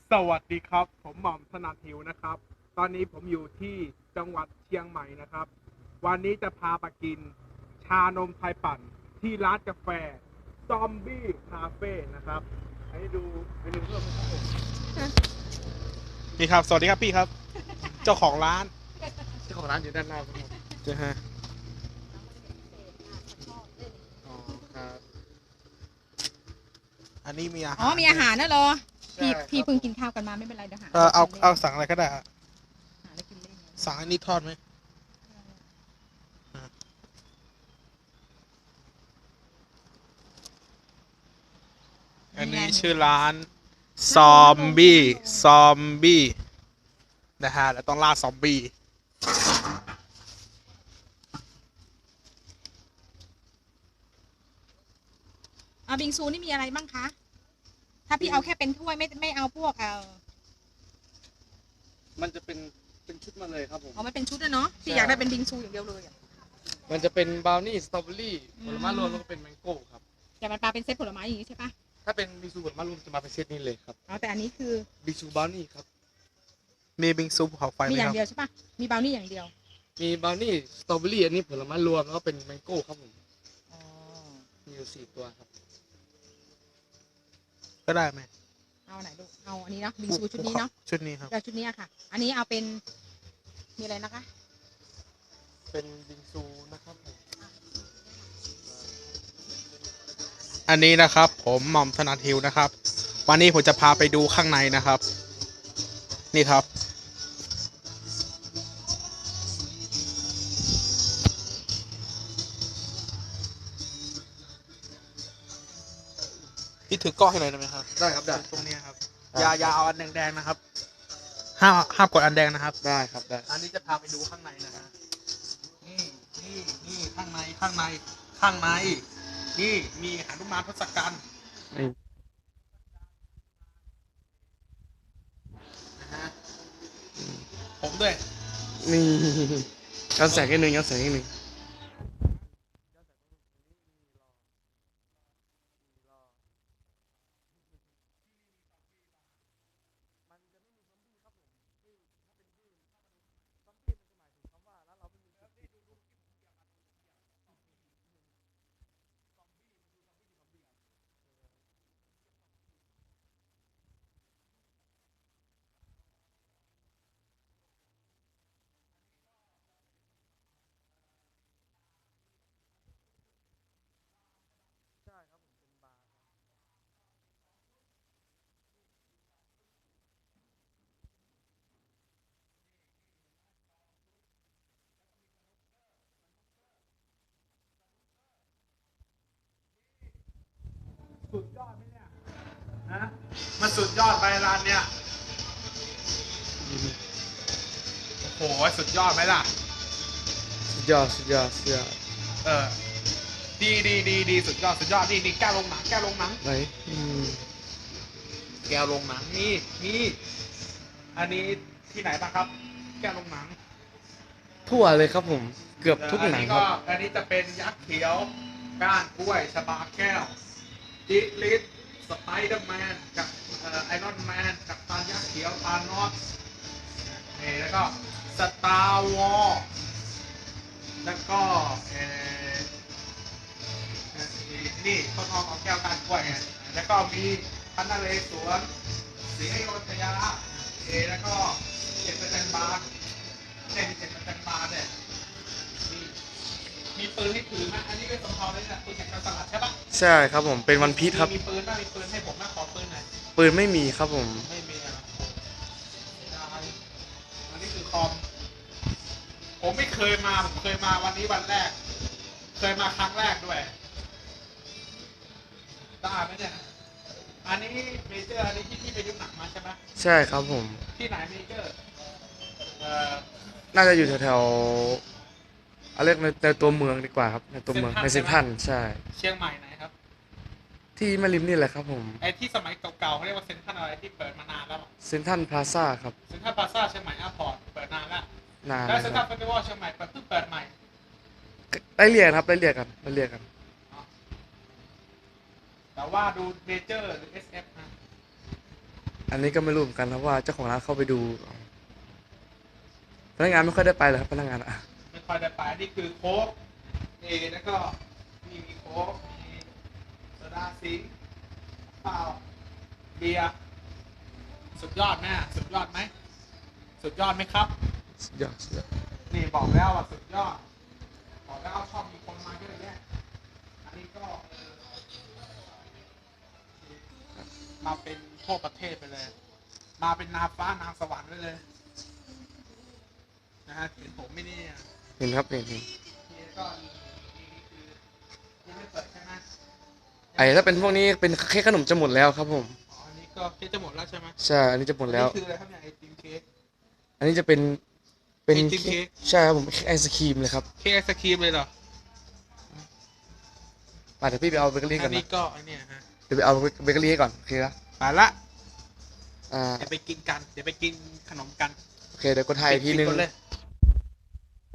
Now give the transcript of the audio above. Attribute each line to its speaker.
Speaker 1: สวัสดีครับผมหม่อมถนัดหิวนะครับตอนนี้ผมอยู่ที่จังหวัดเชียงใหม่นะครับวันนี้จะพาไปกินชานมไทยปั่นที่ร้านกาแฟซอมบี้คาเฟ่นะครับให้ดูเมนูเพิ่มนะครับผมนี่ครับสวัสดีครับพี่ครับเจ้าของร้าน
Speaker 2: อยู่ด้านหน้าครับ
Speaker 1: ใช่ฮะอ๋อครับอันนี้มีอาหาร
Speaker 3: มีอาหารนะเหรอพี่
Speaker 2: ใช่ครับ
Speaker 3: พี่เพิ่งกินข้าวกันมาไม่เป็นไรเดี๋ยวหา
Speaker 1: เอาสั่งอะไรก็ได้ฮะ
Speaker 3: หาอะไรกินเล่น
Speaker 1: สั่งอันนี้ทอดไหมอันนี้ชื่อร้านซอมบี้นะฮะแล้วต้องล่าซอมบี้
Speaker 3: บิงซูนี่มีอะไรบ้างคะถ้าพี่เอาแค่เป็นถ้วยไม่เอาพวก
Speaker 2: มันจะเป็นชุดมาเลยครับผม
Speaker 3: มันเป็นชุดนะเนาะพี่อยากได้เป็นบิงซูอย่างเดียวเลย
Speaker 2: มันจะเป็นบราวนี่สตรอเบอรี่ผลไม้รวมแล้วก็เป็นแมงโก้ครับ
Speaker 3: แต่มันมาเป็นเซตผลไม้อย่างนี้ใช่ปะ
Speaker 2: ถ้าเป็นบิงซูผลไม้รวมจะมาเป็นเซตนี้เลยครับ
Speaker 3: แต่อันนี้คือ
Speaker 2: บิงซูบราวนี่ครับ
Speaker 1: มีบิงซูภูเขาไฟไหม
Speaker 3: มีอ
Speaker 1: ครับ
Speaker 3: ย่างเดียวใช่ปะมีบราวนี่อย่างเดียว
Speaker 2: มีบราวนี่สตรอเบอรี่อันนี้ผลไม้รวมแล้วก็เป็นแมงโก้ครับผมมีอยู่4 ตัวครับ
Speaker 1: ก็ได้ไหม
Speaker 3: เอาไหนลูกเอาอันนี้เนาะบิงซูชุดนี้เนาะ
Speaker 1: ชุดนี้ครับ
Speaker 3: ชุดนี้ค่ะอันนี้เอาเป็นมีอะไรนะคะ
Speaker 2: เป็นบิงซูนะครับผม
Speaker 1: อันนี้นะครับผมหม่อมถนัดหิวนะครับวันนี้ผมจะพาไปดูข้างในนะครับนี่ครับพี่ถือกล้องให้หน่อยได้ไหมครับ
Speaker 2: ได้ครับได้
Speaker 1: ตรงนี้ครับอย่าเอาอันแดงๆนะครับห้ามกดอันแดงนะครับ
Speaker 2: ได้ครับได้
Speaker 1: อันนี้จะพาไปดูข้างในนะฮะนี่ข้างในนี่มีหนุมานทศกัณฐ์นะฮะผมด้วย
Speaker 2: นี่เอาแสงนิดนึง
Speaker 1: สุดยอดไหมเนี่ยนะมันสุดยอดไปร้านเนี้ยโอ้โหสุดยอดไหมล่ะ
Speaker 2: สุดยอด
Speaker 1: เออดีสุดยอดนี่แก้วลงหนัง
Speaker 2: ไหน
Speaker 1: แก้วลงหนังนี่อันนี้ที่ไหนบ้างครับแก้วลงหนัง
Speaker 2: ทั่วเลยครับผมเกือบทุกหนังครับ
Speaker 1: อันนี้จะเป็นยักษ์เขียวก้านกล้วยชบาแก้วจิลิสสไปเดอร์แมนกับไอรอนแมนกับตายักษ์เขียวตานอสนี่แล้วก็สตาร์วอร์แล้วก็นี่ต้นหอมของแก้วการกล้วยไงแล้วก็มีพันนเรศวรศรีอยุธยาแล้วก็7%บาทเนี่ยมี7%บาทเนี่ยมีปืนให้ถือไหมอันนี้เป็นสำเภาเลยนะปืนแข่งกันสลัดใช่ปะ
Speaker 2: ใช่ครับผมเป็นวันพีชครับ
Speaker 1: มีปืนให้ผมนะขอปืนหน่อย
Speaker 2: ปืนไม่มีครับผม
Speaker 1: ไม่มีอ่ะอันนี้คือคอมผมไม่เคยมาผมเคยมาวันนี้วันแรกเคยมาครั้งแรกด้วยได้ไหมเนี่ยอันนี้เมเจอร์อันนี้ที่ไปดูหนังมาใช่ไหม
Speaker 2: ใช่ครับผม
Speaker 1: ที่ไหนเมเจอร์
Speaker 2: น่าจะอยู่แถวเอาเรียกในตัวเมืองดีกว่าครับในตัวเมืองในเซ็นทรัลใช่
Speaker 1: เชียงใหม่ไหนครับ
Speaker 2: ที่แม่ริมนี่แหละครับผม
Speaker 1: ไอ้ที่สมัยเก่าๆเขาเรียกว่าเซ็นทรัลอะไรที่เปิดมานานแล้ว
Speaker 2: เซ็นทรัลพลาซ่าครับ
Speaker 1: เซ็นทรัลพลาซ่าเชียงใหม่แอร์พอร์ตเปิดนานแล้ว
Speaker 2: นาน
Speaker 1: แล้วเซ็นทรัลเฟสติวัลเชียงใหม่เพิ่งเปิดใหม่
Speaker 2: ได้เรียกครับได้เรียกกัน
Speaker 1: แต่ว่าดูเมเจอร์หรือ SF นะ
Speaker 2: อันนี้ก็ไม่รู้เหมือนกันครับว่าเจ้าของร้านเข้าไปดูพนักงานไม่ค่อยได้ไปเลยครับพนักงานอะ
Speaker 1: ไม่ค่อยได้ไปนี่คือโค้กนี่แล้วก็มีโค้กมีโซดาซิงค์เปล่าเบียร์สุดยอดแม่สุดยอดไหมสุดยอดไหมครับ
Speaker 2: สุดยอดสุดยอด
Speaker 1: นี่บอกแล้วว่าสุดยอดบอกแล้วชอบมีคนมาเยอะแยะอันนี้ก็มาเป็นทั่วประเทศไปเลย มาเป็นนางฟ้านางสวรรค์ไปเลยนะฮะเห็นผมไม่นี่ย
Speaker 2: เห็นครับเห็น
Speaker 1: นี่ก็นี่คือยังไม่เปิดใช่ไหม
Speaker 2: ไอ้ถ้าเป็นพวกนี้เป็นเค้กขนมจะหมดแล้วครับผม
Speaker 1: อ๋ออันนี้ก็เค้กจะหมดแล้วใช่ไหม
Speaker 2: ใช่อันนี้จะหมดแล้ว
Speaker 1: อันนี้คืออะไรครับเนี่ยไอติมเค้ก
Speaker 2: อันนี้จะเป็น
Speaker 1: ไอติมเค้ก
Speaker 2: ใช่ครับผมเค้กไอศครีมเลยครับ
Speaker 1: เค้กไอศครีมเลยเหรอ
Speaker 2: มาเดี๋ยวพี่ไปเอาเบเกอรี่ก่
Speaker 1: อั
Speaker 2: อน
Speaker 1: นนี้
Speaker 2: นะ
Speaker 1: ก็อันเนี้ยฮะ
Speaker 2: เดี๋ยวไปเอาเบเกอรี่ให้ก่อนโอเคนะ
Speaker 1: ไปละ
Speaker 2: อ่า
Speaker 1: เดี๋ยวไปกินกันเดี๋ยวไปกินขนมกัน
Speaker 2: โอเคเดี๋ยวกดถ่ายอีกทีนึง
Speaker 1: ปิดเลย